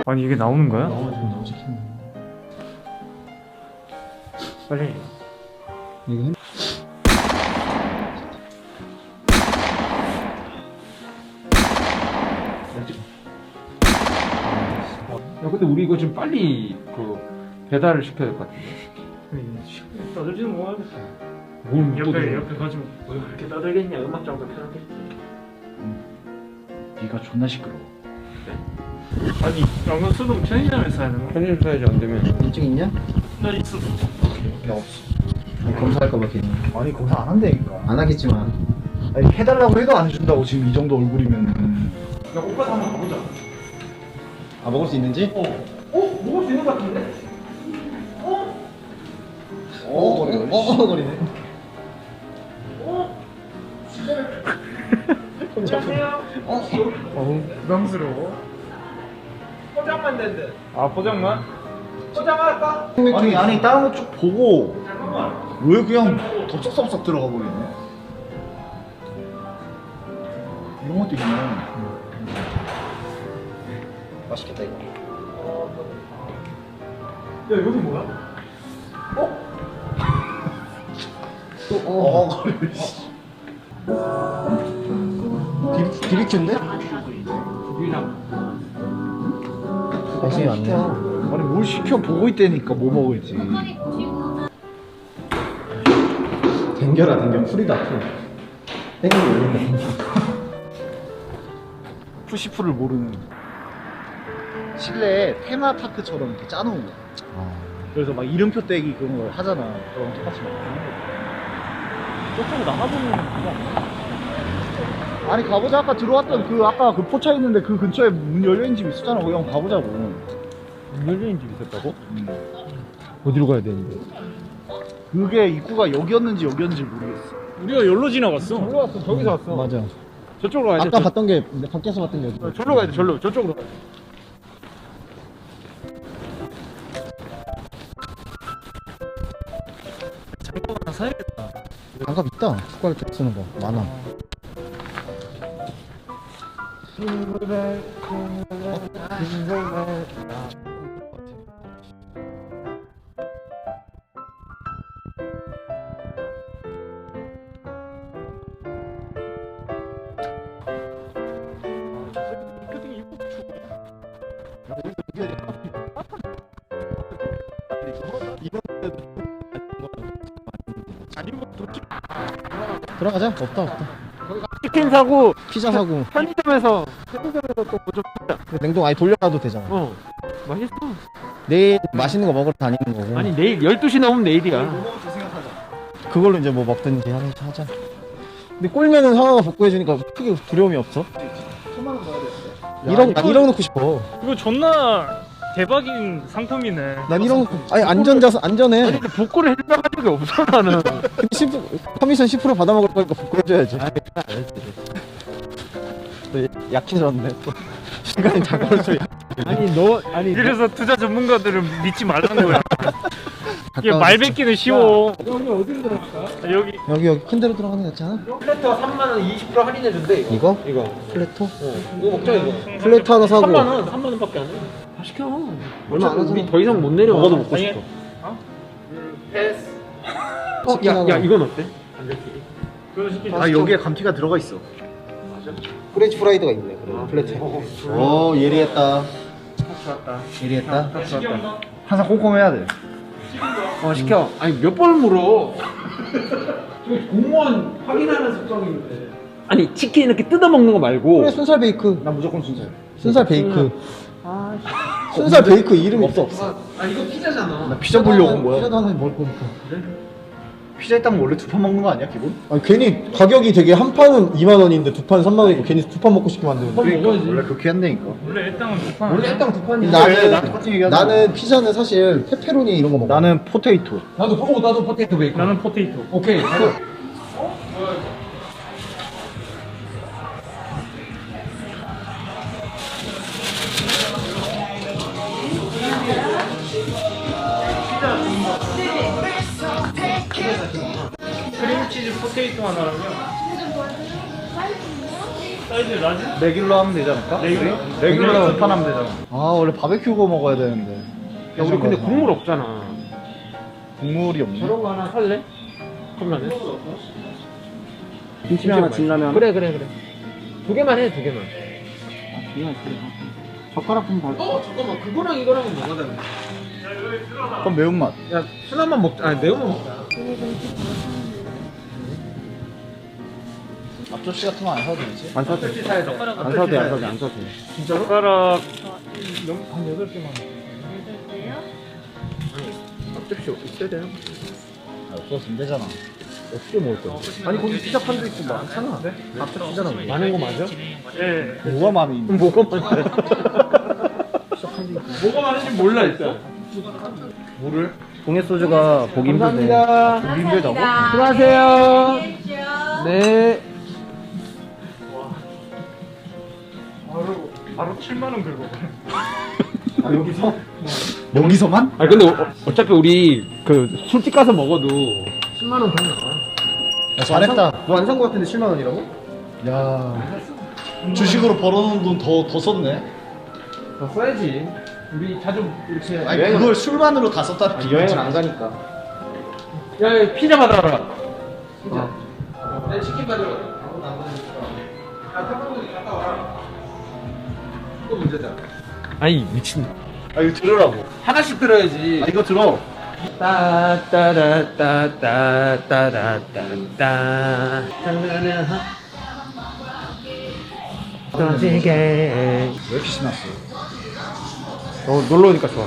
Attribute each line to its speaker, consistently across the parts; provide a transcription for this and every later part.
Speaker 1: 아니 이게 나오는 거야?
Speaker 2: 나와 지금
Speaker 1: 빨리.
Speaker 2: 이거 햄...
Speaker 3: 야 근데 우리 이거 좀 빨리 그 배달을 시켜야 될 것 같은데.
Speaker 1: 떠들지는 못하겠다.
Speaker 3: 뭘
Speaker 1: 옆에 가지고 뭐 그렇게 떠들겠냐. 음악 장도 편하게.
Speaker 2: 네가 존나 시끄러워.
Speaker 1: 아니 양면 수동 편의점에서 사야 되나?
Speaker 3: 편의점 사야지 안 되면.
Speaker 2: 인증 있냐?
Speaker 1: 나 있어.
Speaker 2: 나 없어. 검사할까 봐 괜히.
Speaker 4: 아니 검사 안 한다니까.
Speaker 2: 안 하겠지만.
Speaker 4: 아니 해달라고 해도 안 해준다고 지금 이 정도 얼굴이면은.
Speaker 1: 야 오빠 한번 가보자.
Speaker 2: 아 먹을 수 있는지?
Speaker 1: 먹을 수 있는 것 같은데?
Speaker 2: 거리네.
Speaker 1: 안녕하세요. 부담스러워. 포장만 된대. 아 포장만? 포장할까?
Speaker 4: 아니 안에 다른 거 쭉 보고
Speaker 1: 잠깐만.
Speaker 4: 왜 그냥 덥석덥석 들어가 버리네. 이런 것도 있네.
Speaker 2: 맛있겠다 이거.
Speaker 1: 야 여기 뭐야?
Speaker 2: 비비큐인데?
Speaker 1: 유랑.
Speaker 2: 관심이 많네.
Speaker 4: 아니 뭘 시켜 보고 있다니까 뭐 먹을지.
Speaker 2: 댕겨라 댕겨. 풀이다 풀. 땡기고 올린다.
Speaker 4: 푸시풀을 모르는. 실내 테마파크처럼 이렇게 짜놓은 거야. 그래서 막 이름표 떼기 그런 걸 하잖아. 그럼 똑같이 막 하는 거야. 저쪽으로 나가보면 그거 아니야? 아니 가보자. 아까 들어왔던 그 아까 그 포차 있는데 그 근처에 문 열려있는 집 있었잖아. 거기 한번 가보자고.
Speaker 3: 문 열린 집 있었다고? 어디로 가야 되는데?
Speaker 4: 그게 입구가 여기였는지 여기였는지 모르겠어.
Speaker 1: 우리가 열로 지나갔어.
Speaker 3: 저기로 왔어. 저기서 왔어.
Speaker 2: 맞아.
Speaker 3: 저쪽으로 가야 돼.
Speaker 2: 아까 봤던 게 밖에서 봤던 게 여기.
Speaker 3: 절로 가야 돼. 절로. 저쪽으로 가야 돼.
Speaker 1: 하나 사야겠다.
Speaker 2: 장갑 있다. 축구할 때 쓰는 거 많아. 들어가자. 없다.
Speaker 3: 치킨 사고
Speaker 2: 피자 사고.
Speaker 3: 편의점에서 또 뭐좀
Speaker 2: 냉동 아예 돌려놔도 되잖아.
Speaker 3: 맛있어.
Speaker 2: 내일 맛있는 거 먹으러 다니는 거고.
Speaker 3: 아니 내일 12시 넘으면 내일이야.
Speaker 2: 그걸로 이제 뭐 먹든지 하자. 근데 꼴면은 상황가 복구해주니까 크게 두려움이 없어. 1억, 난 1억 넣고 싶어.
Speaker 1: 이거 존나 대박인 상품이네.
Speaker 2: 난 1억 넣고, 아니, 안전해.
Speaker 3: 아니 근데 복구를 해준다고 한 적이 없어 나는.
Speaker 2: 근데 10%, 커미션 10% 받아먹을 거니까 복구해줘야지. 또 약해졌네, 또. 시간이 다가올수록
Speaker 1: 아니 그래서 투자 전문가들은 믿지 말라는 거야. 이게 말 뱉기는 쉬워. 여기 어디로 들어갈까?
Speaker 2: 여기 큰 데로 들어가는 게 낫지 않아?
Speaker 3: 플래터 3만원 20% 할인해준대 이거.
Speaker 2: 이거? 플래토?
Speaker 3: 이거 먹자 이거.
Speaker 2: 플래토 하나 사고.
Speaker 3: 3만원밖에 안 해. 다 시켜.
Speaker 2: 얼마 안 하잖아.
Speaker 3: 우리 더 이상 못 내려.
Speaker 2: 먹어도 먹고 싶어.
Speaker 3: 패스.
Speaker 2: 치킨 하나.
Speaker 3: 야 이건 어때?
Speaker 4: 아 여기에 감튀가 들어가 있어.
Speaker 2: 프렌치 프라이드가 있네, 그래. 플래토. 오, 예리했다.
Speaker 3: 좋았다.
Speaker 2: 예리했다.
Speaker 4: 항상 꼼꼼해야 돼.
Speaker 3: 시켜. 아니 몇 번을 물어. 저기 공무원 확인하는 습성인데. 아니 치킨 이렇게 뜯어 먹는 거 말고.
Speaker 2: 그래, 순살 베이크.
Speaker 4: 난 무조건 순살.
Speaker 2: 순살 베이크. 순살 베이크 이름이 없어.
Speaker 3: 아 이거 피자잖아.
Speaker 4: 나 피자 보려고 온 거야.
Speaker 2: 피자도 하나 먹을 거니까.
Speaker 4: 피자 있다면 원래 두 판 먹는 거 아니야 기본?
Speaker 2: 아니, 괜히 가격이 되게 한 판은 2만 원인데 두 판 3만 원이고 괜히 두 판 먹고 싶게 만드는 거.
Speaker 4: 그러니까 원래 그렇게 한다니까.
Speaker 1: 원래 일당은 두 판.
Speaker 3: 원래 일당 두 판이.
Speaker 4: 똑같은 얘기하잖아.
Speaker 2: 나는 피자는 사실 페페로니 이런 거 먹어.
Speaker 4: 나는 포테이토.
Speaker 3: 나도 포테이토 베이컨.
Speaker 1: 나는 포테이토.
Speaker 3: 오케이.
Speaker 1: 크림치즈 포테이토 하나랑요. 사이즈 라지?
Speaker 4: 레귤러 하면 되지 않을까? 레귤러 두판 하면 되잖아. 아 원래 바베큐 구워 먹어야 되는데.
Speaker 3: 야, 우리 근데 국물 없잖아.
Speaker 4: 국물이 없네.
Speaker 3: 저런 거 하나 살래? 컵라면?
Speaker 2: 김치면 하나 진라면.
Speaker 3: 그래. 두 개만 해, 두 개만.
Speaker 2: 젓가락 좀 달.
Speaker 3: 잠깐만, 그거랑 이거랑은 뭐가 다른데?
Speaker 4: 그럼 매운맛.
Speaker 3: 야, 순한만 먹자. 아니, 매운만 먹자.
Speaker 4: 앞접시 같은 거 안 사도 되지?
Speaker 2: 안 사도 돼.
Speaker 3: 사야죠.
Speaker 2: 안 사도 돼. 안 사도 돼.
Speaker 1: 젓가락
Speaker 3: 한 8개만. 앞접시 있어야 돼요?
Speaker 4: 없었으면 되잖아.
Speaker 3: 어떻게 먹을 거야?
Speaker 2: 아니 거기 피자 판도 있고 많잖아. 앞접시잖아.
Speaker 3: 많은 거 맞아?
Speaker 1: 예.
Speaker 4: 뭐가 많이 있는
Speaker 3: 뭐가 많아? 뭐가 많은지 몰라, 일단. 뭐를?
Speaker 2: 동해 소주가 보기 힘든데.
Speaker 3: 감사합니다.
Speaker 2: 보기 힘들다고?
Speaker 3: 수고하세요. 네.
Speaker 1: 바로 7만 원 긁어.
Speaker 2: 아 여기서?
Speaker 4: 여기서만?
Speaker 3: 아 근데 어차피 우리 그 술집 가서 먹어도 10만 원 더 나와.
Speaker 4: 야, 잘했다.
Speaker 2: 너 안 산 거 같은데 7만 원이라고?
Speaker 4: 야 주식으로 벌어놓은 돈 더 썼네.
Speaker 3: 더 써야지. 우리 자주 이렇게.
Speaker 4: 아니 그걸 술만으로 다 썼다는 게
Speaker 2: 여행을 안 가니까.
Speaker 3: 야, 피자 받아라. 피자. 내 치킨 받으러. 갔다 와라. 또 문제다. 아니 미친.
Speaker 4: 아 이거 들으라고.
Speaker 3: 하나씩 들어야지.
Speaker 4: 아 이거 들어.
Speaker 3: 따따라따따따따따따 떠지게.
Speaker 4: 왜 이렇게 신났어?
Speaker 3: 놀러 오니까 좋아.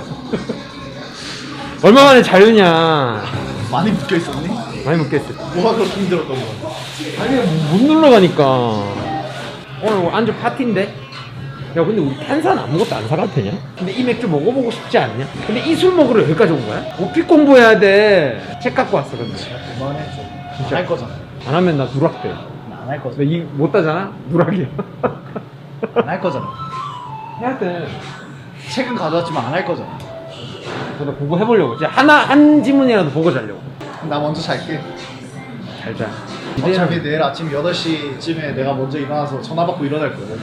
Speaker 3: 얼마 만에 자유냐.
Speaker 4: 많이 묶여 있었니?
Speaker 3: 많이 먹겠어.
Speaker 4: 뭐가 그렇게 힘들었던 거야?
Speaker 3: 아니 못 놀러 가니까. 오늘 안주 파티인데. 야 근데 우리 탄산 아무것도 안 사가도 되냐? 근데 이 맥주 먹어보고 싶지 않냐? 근데 이 술 먹으러 여기까지 온 거야? 오픽 공부해야 돼. 책 갖고 왔어 근데.
Speaker 4: 그만해 좀.
Speaker 3: 진짜.
Speaker 4: 할 거잖아.
Speaker 3: 안 하면 나 누락돼.
Speaker 4: 안 할 거잖아.
Speaker 3: 근데 이 못 따잖아? 누락이야.
Speaker 4: 안 할 거잖아.
Speaker 3: 해야 돼.
Speaker 4: 책은 가져왔지만 안 할 거잖아.
Speaker 3: 저도 보고 해보려고. 진짜 한 지문이라도 보고 자려고.
Speaker 4: 나 먼저 잘게.
Speaker 3: 잘 자.
Speaker 4: 어차피 내일 아침 8시쯤에 내가 먼저 일어나서 전화 받고 일어날 거야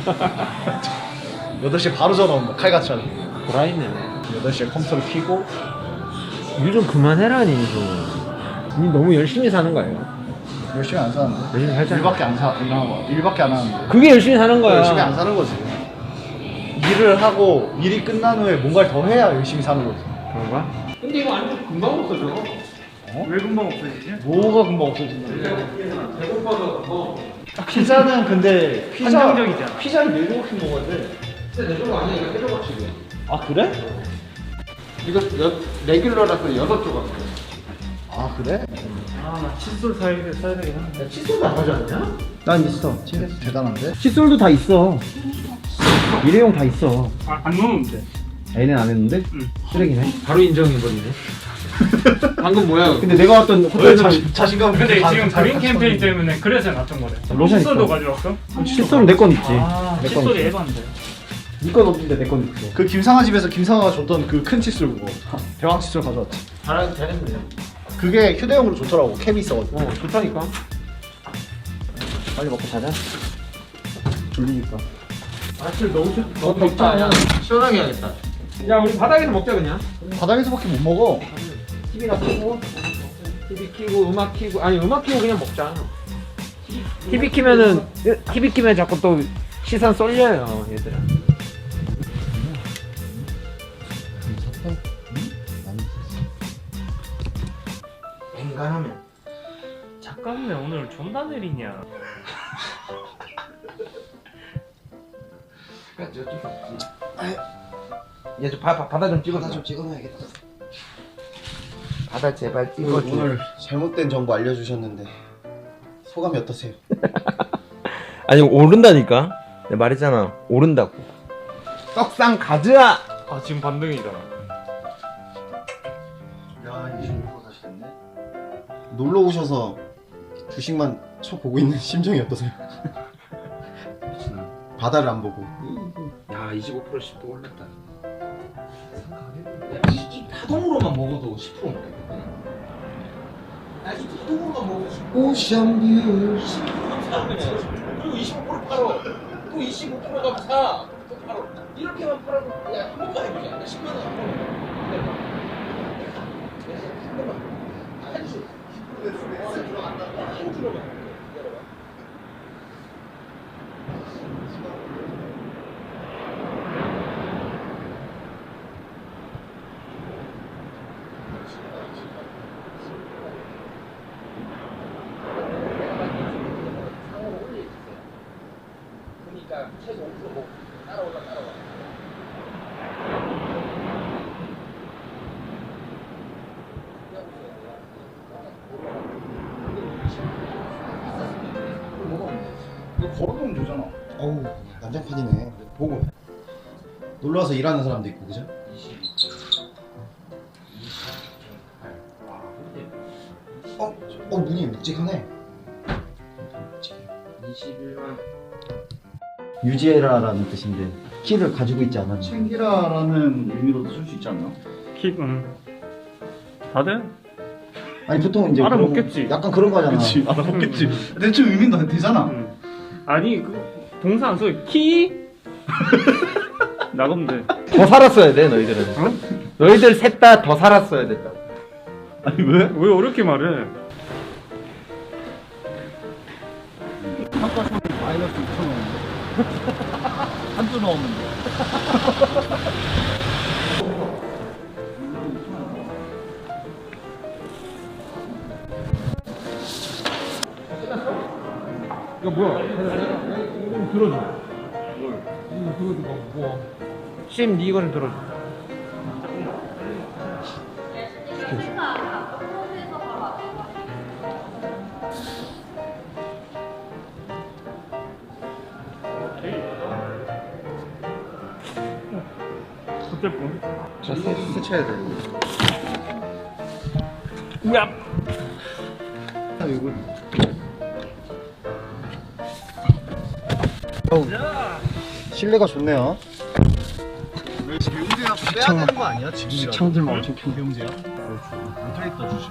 Speaker 4: 8시에 8시에 바로 전화 온다 칼같이 하고
Speaker 3: 돌아있네.
Speaker 4: 8시에 컴퓨터를 켜고
Speaker 3: 일 좀 그만해라니 좀. 니 너무 열심히 사는 거예요.
Speaker 4: 열심히 안 사는데
Speaker 3: 열심히 살잖아.
Speaker 4: 일밖에 안 하는데
Speaker 3: 그게 열심히 사는 거야.
Speaker 4: 열심히 안 사는 거지. 일을 하고 일이 끝난 후에 뭔가를 더 해야 열심히 사는 거지.
Speaker 3: 그런가? 근데 이거 안주 금방 없어져.
Speaker 1: 왜 금방 없어지지?
Speaker 4: 뭐가 금방 없어진다.
Speaker 3: 배고파서.
Speaker 4: 피자는 근데
Speaker 1: 한정적이잖아.
Speaker 4: 피자를 4조각씩 먹어야 돼.
Speaker 3: 진짜 내 조각 아니야. 이거 세 조각씩이야.
Speaker 4: 아 그래?
Speaker 3: 이거 레귤러라서 6조각.
Speaker 4: 아 그래?
Speaker 1: 아나 칫솔 사야 되긴 한데.
Speaker 3: 야, 칫솔도 안 가져왔냐?
Speaker 2: 난 있어.
Speaker 4: 대단한데?
Speaker 2: 칫솔도 다 있어. 일회용 다 있어.
Speaker 1: 안 넣으면 돼.
Speaker 2: 애는 안 했는데?
Speaker 1: 응.
Speaker 2: 쓰레기네.
Speaker 3: 바로 인정해버리네. 방금 뭐야?
Speaker 2: 근데 내가 왔던
Speaker 4: 왜
Speaker 2: 호텔에서
Speaker 4: 자신감
Speaker 1: 근데 지금 그린 캠페인 때문에 그래서 놨던 거래.
Speaker 2: 로션
Speaker 1: 칫솔도
Speaker 2: 있어.
Speaker 1: 가져왔어?
Speaker 2: 칫솔은 내 건 있지.
Speaker 1: 아
Speaker 2: 내 건
Speaker 1: 칫솔이
Speaker 2: 있어.
Speaker 1: 에반데.
Speaker 2: 니건 없는데 내 건 있어.
Speaker 4: 그 김상아 집에서 김상아가 줬던 그 큰 칫솔 그거 대왕 칫솔 가져왔지.
Speaker 3: 잘했네.
Speaker 4: 그게 휴대용으로 좋더라고 캡이 있어가지고.
Speaker 3: 좋다니까.
Speaker 2: 빨리 먹고 자자. 졸리니까.
Speaker 3: 아침 너무 덥다. 야, 시원하게 해야겠다. 야, 우리 바닥에서 먹자 그냥.
Speaker 4: 바닥에서밖에 못 먹어.
Speaker 3: TV나 켜고, TV 켜고, 음악 켜고, 아니 음악 켜고 그냥 먹자. TV 키면 자꾸 또 시선 쏠려요, 얘들아. 인간하면.
Speaker 1: 잠깐만 오늘 존나 느리냐.
Speaker 3: 얘 좀 바다 좀 찍어줘.
Speaker 5: 좀 찍어놔야겠다.
Speaker 3: 바다 제발 찍어줘.
Speaker 5: 오늘 잘못된 정보 알려주셨는데 소감이 어떠세요?
Speaker 6: 아니 오른다니까. 내가 말했잖아 오른다고.
Speaker 3: 떡상 가즈아.
Speaker 1: 아 지금 반등이다.
Speaker 5: 야 이제 놀러 가시겠네. 놀러 오셔서 주식만 쳐보고 있는 심정이 어떠세요? 바다를 안 보고.
Speaker 3: 야 25%씩 또 올랐다. 이 파동으로만 먹어도 10% 먹겠다. 야, 이 파동으로만 먹어도 10%.
Speaker 5: 오션뷰.
Speaker 3: 그리고 25% 팔어. 또 25%가 사. 바로 이렇게만 팔아도 야, 한 번만 해보자. 10만 원 한 번만. 한 번만. 해주세요. 한 줄로만. 그러니까 최소 5% 뭐 따라올라.
Speaker 4: 이거 걸어놓으면 되잖아.
Speaker 5: 어우 난장판이네. 보고 놀러와서 일하는 사람도 있고 그죠? 문이 묵직하네.
Speaker 3: 21만.
Speaker 2: 유지해라라는 뜻인데 키를 가지고 있지 않았나?
Speaker 4: 챙기라라는 의미로도 쓸 수 있지 않나?
Speaker 1: 킥, 다들?
Speaker 2: 아니 보통 이제
Speaker 1: 알아먹겠지.
Speaker 2: 그런- 약간 그런 거잖아.
Speaker 4: 그치, 알아먹겠지. 대체 의미는 되잖아.
Speaker 1: 아니 그 동사 안 써. 키? 나가면 돼.
Speaker 3: 더 살았어야 돼 너희들은. 너희들 셋 다 더 살았어야 됐다.
Speaker 4: 아니 왜?
Speaker 1: 왜 어렵게 말해?
Speaker 4: 한가성이 마이너스 2,000원인데 한 주 넣으면 돼.
Speaker 3: 이거 뭐야? 이거 좀 들어줘. 뭘? 이거 뭐? 심, 니 이거 좀 들어줘.
Speaker 1: 어쨌든.
Speaker 5: 자 세차해야 돼.
Speaker 1: 야.
Speaker 5: 이거
Speaker 2: 실내가 좋네요.
Speaker 4: 왜 배용제약 빼야 되는 거 아니야? 지금이라도.
Speaker 2: 창들만 엄청 큰.
Speaker 4: 배용제약? 못하겠다 주식.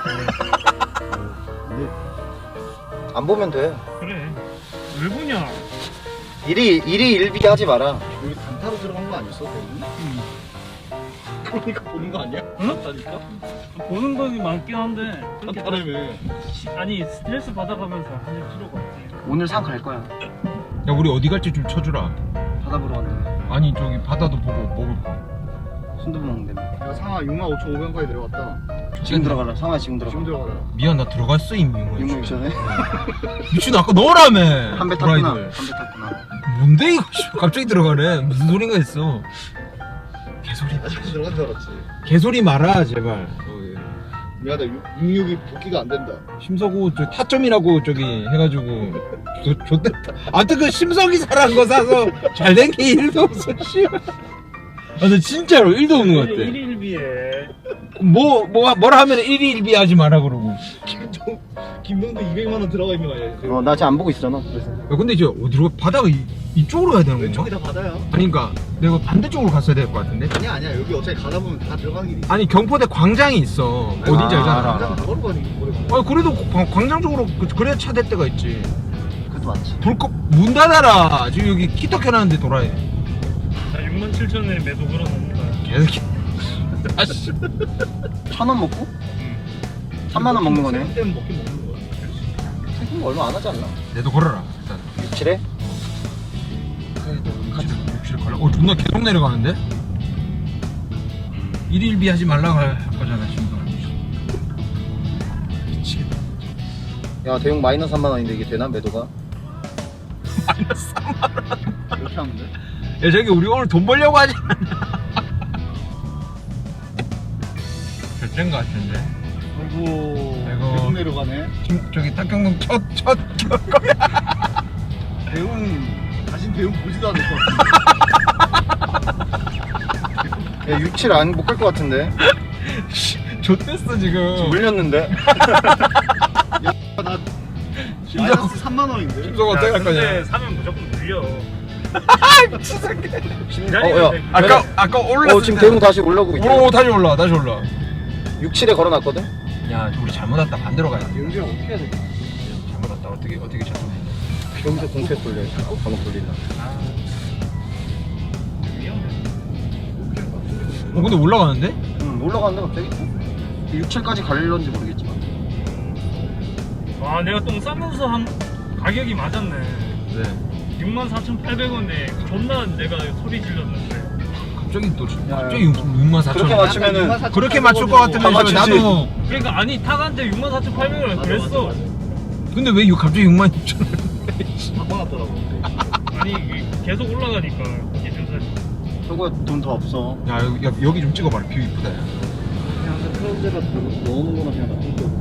Speaker 2: 안 보면 돼.
Speaker 1: 그래. 왜 보냐?
Speaker 2: 일이 일비 하지 마라.
Speaker 4: 여기 단타로 들어간 거 아니었어? 배용? 그러니까 보는 거 아니야?
Speaker 1: 응?
Speaker 4: 맞다니까?
Speaker 1: 보는 것이 많긴 한데 그렇게
Speaker 4: 단타라며.
Speaker 1: 아니 스트레스 받아가면서 할 필요가 없지.
Speaker 2: 오늘 산 갈 거야.
Speaker 3: 야 우리 어디 갈지 좀 쳐주라.
Speaker 2: 바다 보러 왔는데
Speaker 3: 아니 저기 바다도 보고 먹을 거.
Speaker 2: 순두부 먹는데.
Speaker 4: 야 상하 65,500원까지 내려갔다.
Speaker 2: 지금 들어가라. 상아 지금 들어가.
Speaker 4: 지금 들어가라.
Speaker 3: 미안 나 들어갔어 이미.
Speaker 2: 6만 6천에
Speaker 3: 미친 아까 넣으라며.
Speaker 2: 한 배 탔구나.
Speaker 3: 브라이드.
Speaker 2: 한 배 탔구나.
Speaker 3: 뭔데 이거? 갑자기 들어가래. 무슨 소린가 했어. 개소리.
Speaker 4: 아직 들어간 줄 알았지.
Speaker 3: 개소리 말아 제발.
Speaker 4: 미안하다. 66이 복귀가 안 된다.
Speaker 3: 심서구 저 타점이라고 저기 해가지고 좋댔다. 아무튼 그 심석이 잘한 거 사서 잘된 게 1도 없어. 씨. 아, 근데 진짜로 1도 없는 것 같아.
Speaker 1: 1일비에
Speaker 3: 뭐라 하면 1위 1비 하지 마라 그러고.
Speaker 4: 김동도 200만 원 들어가 있는 거 아니야?
Speaker 2: 나 지금 안 보고 있잖아. 그래서.
Speaker 3: 야, 근데 이제 어디로 바다가 이쪽으로 가야 되는 건가?
Speaker 4: 왼쪽이 다 바다야.
Speaker 3: 아니 그니까 내가 반대쪽으로 갔어야 될 것 같은데.
Speaker 4: 아니야. 여기 어차피 가다 보면 다 들어가는 길이 있어.
Speaker 3: 아니 경포대 광장이 있어. 어딘지 알잖아.
Speaker 2: 알아.
Speaker 4: 당장 걸어 가는 게 오래 걸려.
Speaker 3: 아 그래도 광장 쪽으로 그래야 차 댈 때가 있지.
Speaker 2: 그것도 맞지.
Speaker 3: 불꽃 문 닫아라. 지금 여기 키터 켜놨는데 돌아야 돼.
Speaker 1: 자 67,000원에 매도 걸어놓는 거야.
Speaker 3: 계속. 아씨.
Speaker 2: 1,000원 먹고 3만 원 먹는 거네.
Speaker 4: 때문에 먹긴 먹는 거야.
Speaker 2: 생긴 거 얼마 안 하지 않나?
Speaker 3: 내도 걸어라. 일단.
Speaker 2: 67에?
Speaker 3: 욕실 걸려. 존나 계속 내려가는데? 1일비 하지 말라고 할 거잖아 지금. 미치겠다.
Speaker 2: 야 대용 마이너스 3만 원인데 이게 되나 매도가?
Speaker 3: 마이너스 3만원.
Speaker 4: 이렇게 하면 돼?
Speaker 3: 야 저기 우리 오늘 돈 벌려고 하지 않냐? 결제인 거 같은데.
Speaker 4: 아이고.
Speaker 3: 아이고.
Speaker 4: 계속 내려가네.
Speaker 3: 지금 저기 탁경동 첫
Speaker 4: 배운 다신 배운 보지도 않을 것 같아.
Speaker 2: 야 67 안 못 갈 것 같은데.
Speaker 3: 좆됐어 지금.
Speaker 2: 물렸는데.
Speaker 4: 나 마이너스 3만 원인데.
Speaker 3: 심석 어떻게 할 거냐?
Speaker 1: 근데 사면 무조건 물려.
Speaker 3: 미친 새끼.
Speaker 2: 야.
Speaker 3: 아까 올랐을
Speaker 2: 지금
Speaker 3: 때.
Speaker 2: 대용 다시 올라오고 있대.
Speaker 3: 오 다시 올라.
Speaker 2: 67에 걸어놨거든.
Speaker 3: 야 우리 잘못 왔다 반대로 가야 돼.
Speaker 4: 영주야 어떻게 해야 돼?
Speaker 3: 잘못 왔다. 어떻게 작동해?
Speaker 2: 여기서 동태 돌려. 번호 돌리나.
Speaker 3: 근데 올라가는데?
Speaker 2: 응, 올라가는데 갑자기 6, 7까지 갈런지 모르겠지만.
Speaker 1: 와 내가 똥 싸면서 한 가격이 맞았네.
Speaker 3: 네.
Speaker 1: 64,800원에 존나 내가 소리 질렀는데.
Speaker 3: 갑자기 또 갑자기 64,000원.
Speaker 2: 그렇게 맞추면은
Speaker 3: 그렇게 맞출 것 같으면
Speaker 2: 다 맞추지.
Speaker 3: 나도.
Speaker 1: 그러니까 아니 탁한테 64,800원 그랬어.
Speaker 3: 근데 왜 갑자기 66,000원?
Speaker 4: 바꿔놨더라고.
Speaker 1: 아니 이게 계속 올라가니까 기준사지.
Speaker 2: 저거 돈 더 없어.
Speaker 3: 야 여기 좀 찍어봐라. 뷰 이쁘다. 야.
Speaker 4: 그냥 그 트라우제가 넣어놓는거나 그냥 놔둔 거.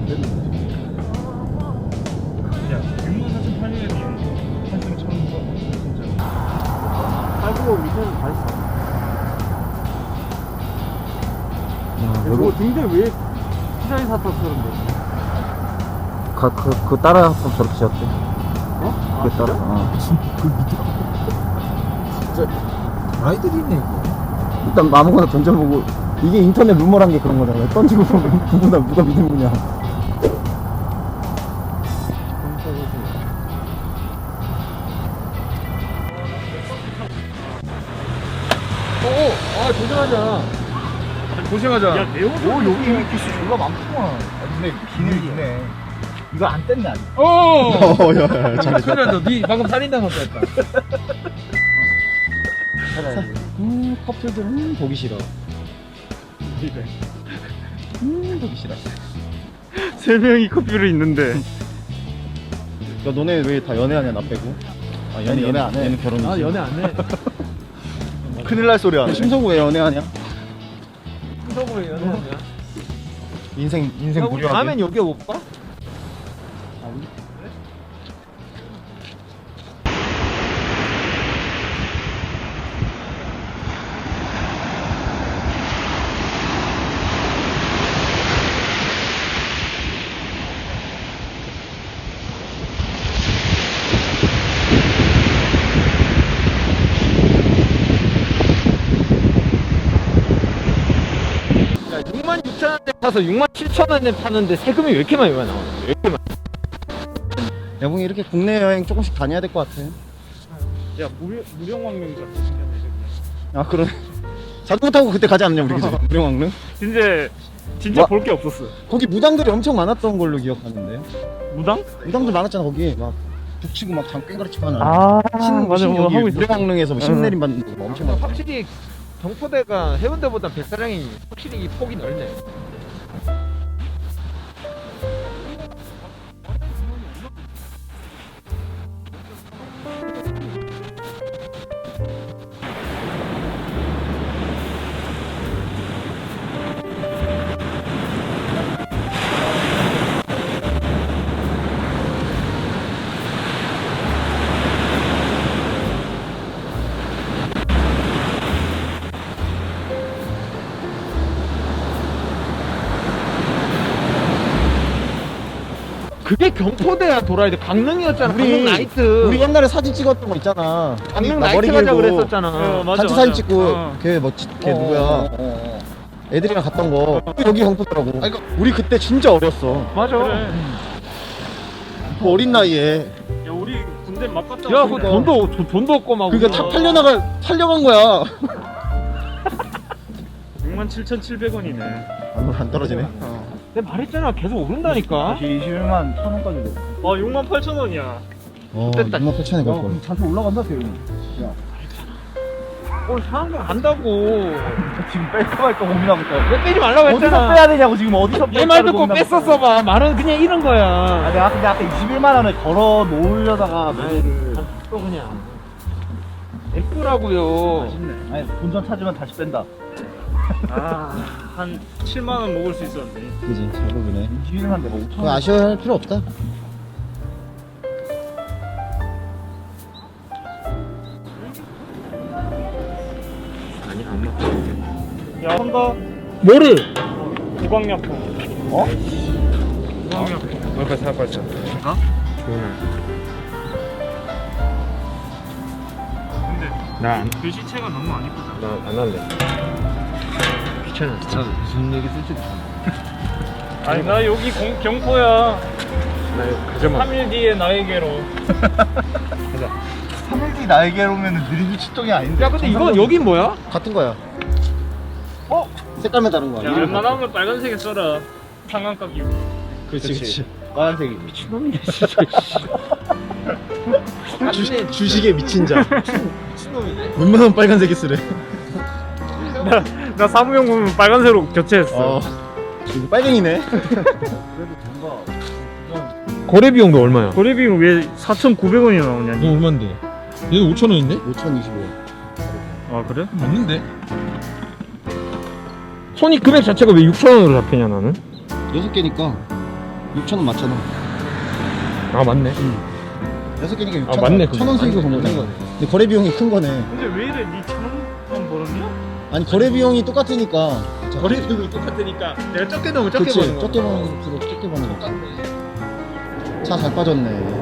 Speaker 1: 야 64,800원이 8,100원 진짜.
Speaker 4: 팔고 밑에는 다 있어.
Speaker 2: 이거
Speaker 4: 근데 왜 피자인 사탕처럼 돼?
Speaker 2: 그 따라 한번 저렇게 지었대. 어? 그 따라.
Speaker 3: 아이들이네 이거.
Speaker 2: 일단 아무거나 던져보고 이게 인터넷 루머란 게 그런 거잖아. 던지고 보면 누가 믿는 거냐.
Speaker 3: 조심하자. 조심하자.
Speaker 1: 야 내용
Speaker 4: 오 여기 이미 기수 졸라 많구만. 근데 기능이 있네. 이거 안 뗐네 아직.
Speaker 3: 야, 잘했다. 니 방금 살인당 했다.
Speaker 2: 커플들은 보기 싫어. 보기 싫어.
Speaker 1: 세 명이 커피를 있는데.
Speaker 2: 야 너네 왜 다 연애하냐 나 빼고? 아
Speaker 4: 연애 안 해.
Speaker 2: 얘는 결혼이지.
Speaker 3: 아 연애 안 해.
Speaker 4: 큰일 날 소리 하네.
Speaker 2: 심성구 왜 연애하냐?
Speaker 3: 성으로 연애하냐?
Speaker 2: 인생 무료하게.
Speaker 3: 다음엔 여기 올까? 야 66,000원에 사서 67,000원에 파는데 세금이 왜 이렇게 많이 나오는 거야? 왜 이렇게 많이?
Speaker 2: 여봉이 이렇게 국내 여행 조금씩 다녀야 될 것 같아.
Speaker 1: 야 무령왕릉 같은 생겼네.
Speaker 2: 아 그러네. 자전거 타고 그때 가지 않았냐 우리 그지? 무령왕릉?
Speaker 1: 진짜
Speaker 2: 와.
Speaker 1: 볼 게 없었어.
Speaker 2: 거기 무당들이 엄청 많았던 걸로 기억하는데.
Speaker 1: 무당?
Speaker 2: 무당들 많았잖아 거기 막 북치고 막 장깽가리 치고 하는.
Speaker 1: 맞아 뭐 하고 있어.
Speaker 2: 무령왕릉에서 뭐 신내림 받는 거 엄청 많아.
Speaker 3: 확실히 경포대가 해운대보다 백사장이 확실히 이 폭이 넓네. 그게 경포대야 돌아야 돼. 강릉이었잖아. 강릉 나이트.
Speaker 2: 우리 옛날에 사진 찍었던 거 있잖아.
Speaker 3: 강릉
Speaker 2: 나 머리
Speaker 3: 나이트 가자
Speaker 2: 길고
Speaker 3: 그랬었잖아.
Speaker 1: 맞아,
Speaker 2: 단체
Speaker 1: 맞아.
Speaker 2: 사진 찍고
Speaker 1: 어.
Speaker 2: 걔 누구야? 애들이랑 갔던 거 여기 경포더라고. 그러니까 우리 그때 진짜 어렸어.
Speaker 3: 맞아.
Speaker 1: 그래.
Speaker 2: 그 어린 나이에.
Speaker 1: 야 우리 군대 막 갔다
Speaker 3: 야, 그
Speaker 1: 왔는데.
Speaker 3: 돈도 없고 막.
Speaker 2: 그러니까 차 팔려간 거야.
Speaker 1: 67,700원이네.
Speaker 2: 안 떨어지네.
Speaker 3: 내가 말했잖아. 계속 오른다니까.
Speaker 4: 21만 1,000원까지 돼.
Speaker 1: 68,000원이야.
Speaker 3: 됐다.
Speaker 2: 28,000에 갈
Speaker 4: 야,
Speaker 2: 걸.
Speaker 4: 자주 올라간다 대용이. 야,
Speaker 3: 오늘 상한 거 간다고.
Speaker 4: 지금 뺄까 말까 고민하고 있다.
Speaker 3: 왜 빼지 말라고
Speaker 4: 어디서
Speaker 3: 했잖아.
Speaker 4: 빼야 되냐고 지금 어디서
Speaker 3: 얘 말 듣고 뺐었어 봐. 말은 그냥 이런 거야.
Speaker 4: 아, 내가 근데 아까 21만 원을 걸어 놓으려다가 노래를
Speaker 3: 또 그냥. 예쁘라고요.
Speaker 4: 아쉽네. 아니 본전 찾으면 다시 뺀다.
Speaker 1: 한 7만원 먹을 수 있었는데.
Speaker 2: 그지, 자극이네.
Speaker 4: 21만 내가 5천
Speaker 2: 그거
Speaker 4: 원.
Speaker 2: 아쉬워할 필요 없다.
Speaker 3: 아니 안 맞다.
Speaker 1: 야 한다.
Speaker 3: 뭐를?
Speaker 1: 구강약품.
Speaker 4: 어?
Speaker 1: 구강약품.
Speaker 3: 뭘까 생각했어.
Speaker 1: 어? 근데
Speaker 3: 나안
Speaker 1: 글씨체가 너무 안 이쁘다.
Speaker 3: 안 할래. 귀찮아. 진짜 무슨 얘기 쓸지도
Speaker 1: 아니 나 여기 경포야.
Speaker 3: 나 이거 가져만.
Speaker 1: 3일 뒤에 나에게로.
Speaker 4: 3일 뒤 나에게로 오면 느리기 출동이 아닌데.
Speaker 3: 야 근데 이거 여긴 뭐야?
Speaker 2: 같은 거야.
Speaker 5: 색깔만 다른 거
Speaker 1: 야,
Speaker 5: 아니야?
Speaker 1: 웬만하면 빨간색에 써라. 상한각 이고.
Speaker 4: 그렇지. 빨간색이.
Speaker 3: 미친놈이네 진짜.
Speaker 2: 주식에 미친 자.
Speaker 3: 미친놈이네.
Speaker 2: 웬만하면 빨간색이 쓰래.
Speaker 1: 나 사무용 보면 빨간색으로 교체했어.
Speaker 2: 이거 빨갱이네.
Speaker 3: 거래 비용도 얼마야?
Speaker 1: 거래 비용 왜 4,900원이 나오냐?
Speaker 3: 이거 얼마인데? 얘도 5,000원인데?
Speaker 2: 5,025원.
Speaker 1: 아 그래?
Speaker 3: 맞는데? 손익 금액 자체가 왜 6,000원으로 잡히냐 나는?
Speaker 2: 6개니까 6,000원 맞잖아.
Speaker 3: 아 맞네.
Speaker 2: 6개니까 6,000원.
Speaker 3: 아, 맞네, 그거.
Speaker 2: 1,000원 수익을 본 거네. 근데 거래 비용이 큰 거네.
Speaker 1: 근데 왜 이래? 니 1,000원만 벌었냐?
Speaker 2: 아니 거래 비용이 똑같으니까.
Speaker 3: 거래 비용이 똑같으니까 내가 적게 넣으면 적게
Speaker 2: 그치,
Speaker 3: 버는 거.
Speaker 2: 적게 버는 거. 차 잘 빠졌네.